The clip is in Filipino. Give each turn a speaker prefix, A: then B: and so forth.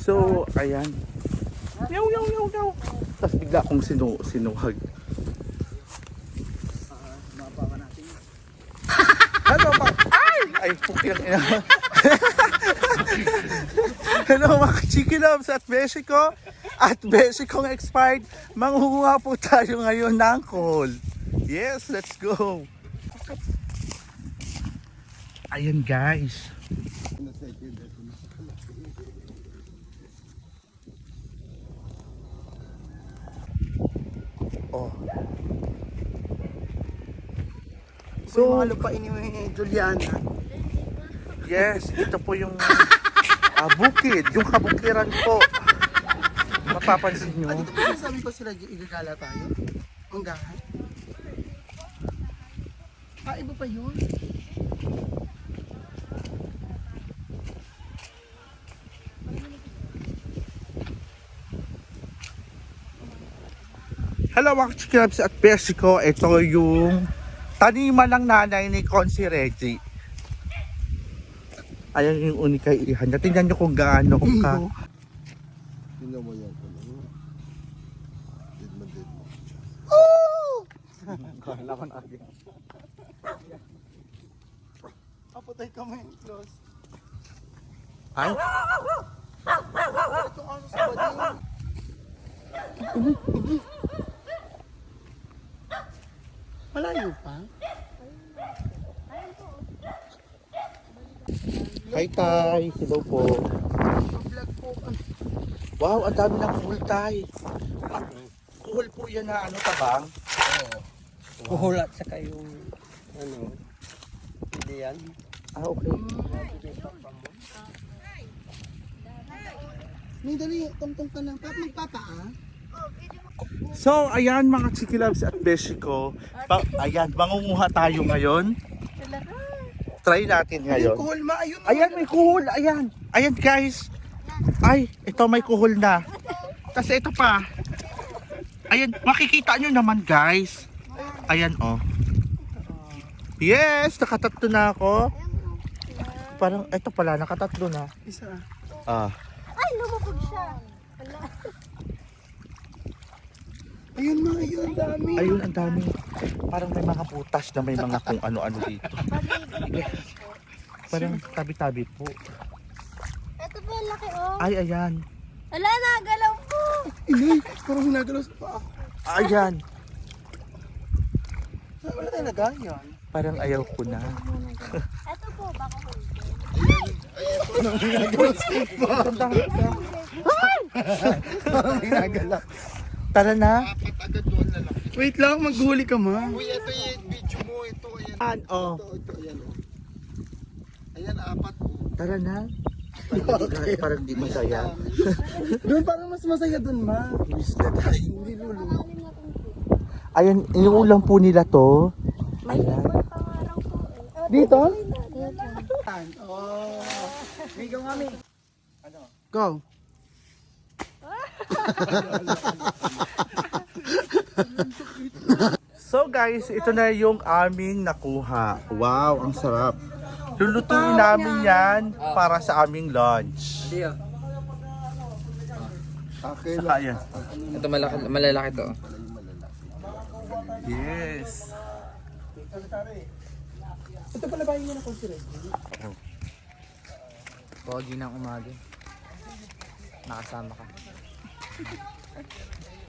A: So, ayan. Yaw, yaw, yaw, yaw. Tapos bigla akong sinuhag.
B: Mapapa natin.
A: Hello, ay, pukil ina. Hello, mga Chiki Loves at Beshi ko. At Beshi kong expired. Manghuha po tayo ngayon ng call. Yes, let's go. Ayan, guys. Oh.
B: So, mga lupain ni Juliana.
A: Yes, ito po yung bukid, yung kabukiran po. Mapapansin nyo.
B: Dito ba sabi ko sila igagala tayo? Hanggahan? Iba pa yun?
A: Hello mga Chikilabs at Beshi ko. Ito yung taniman ng nanay ni Consi Reggie. Ayan yung unikay ihan. Tingnan nyo kung gaano ka.
C: Tingnan mo yan. Dead mo.
B: Kala ko na agad. Kapatay ka mo yung close.
A: Ay?
B: Itong ano sa bading. Malayo pa?
A: Hi Tay, hello po.
B: Vlog po.
A: Wow, ang dami ng kuhol Tay. Kuhol po yan na ano tabang?
B: Kuhulat sa kayong ano. Hindi yan.
A: Ah, okay.
B: May dali, tungtong ka lang. Magpapa ah.
A: So, ayan mga Chikilabs at Beshi ko. Ayan, mangunguha tayo ngayon. Try natin ngayon.
B: Kuhol ma, ayun.
A: Ayan, may kuhol. Ayan. Ayan, guys. Ay, ito may kuhol na. Kasi ito pa. Ayan, makikita nyo naman, guys. Ayan, oh. Yes, nakatatlo na ako. Parang, ito pala, nakatatlo na.
B: Isa.
A: Ah.
D: Ay, lumabog siya. Wala.
B: Ayun ma, ayun. Dami.
A: Ayun, ang dami. Parang may mga putas na may mga kung ano-ano dito. Parang tabi-tabi po.
D: Ito po yung laki oh.
A: Ay, ayan.
D: Wala, nagalaw po.
B: Inay, parang hinagalos pa ako.
A: Ayan.
B: Wala talaga yan.
A: Parang ayaw ko na.
D: Ito po, baka hulog.
B: Parang hinagalos pa. Parang hinagalos.
A: Tara na.
C: Apat agad doon na lang.
B: Wait lang, maghuli ka ma.
C: Uy, ito yung video mo. Ito, ayan.
A: Oh.
C: Ito, ayan. Oh. Ayan, apat. Oh.
A: Tara na. Parang di masaya.
B: Doon parang mas masaya doon ma.
A: Miss na tayo.
B: Hindi lulu.
A: Ayan, inuulam po nila to. Ayan.
D: Pangarang po eh.
B: Dito?
D: Dito.
B: Oh. Bigo mami. Go.
A: So guys, ito na yung aming nakuha. Wow, ang sarap. Lulutuin namin yan para sa aming lunch.
C: Akin
A: Saka yan.
E: Ito malalaki to.
A: Yes.
B: Ito pala ba yung na-consider?
E: Pogi ng umaga. Nakasama ka.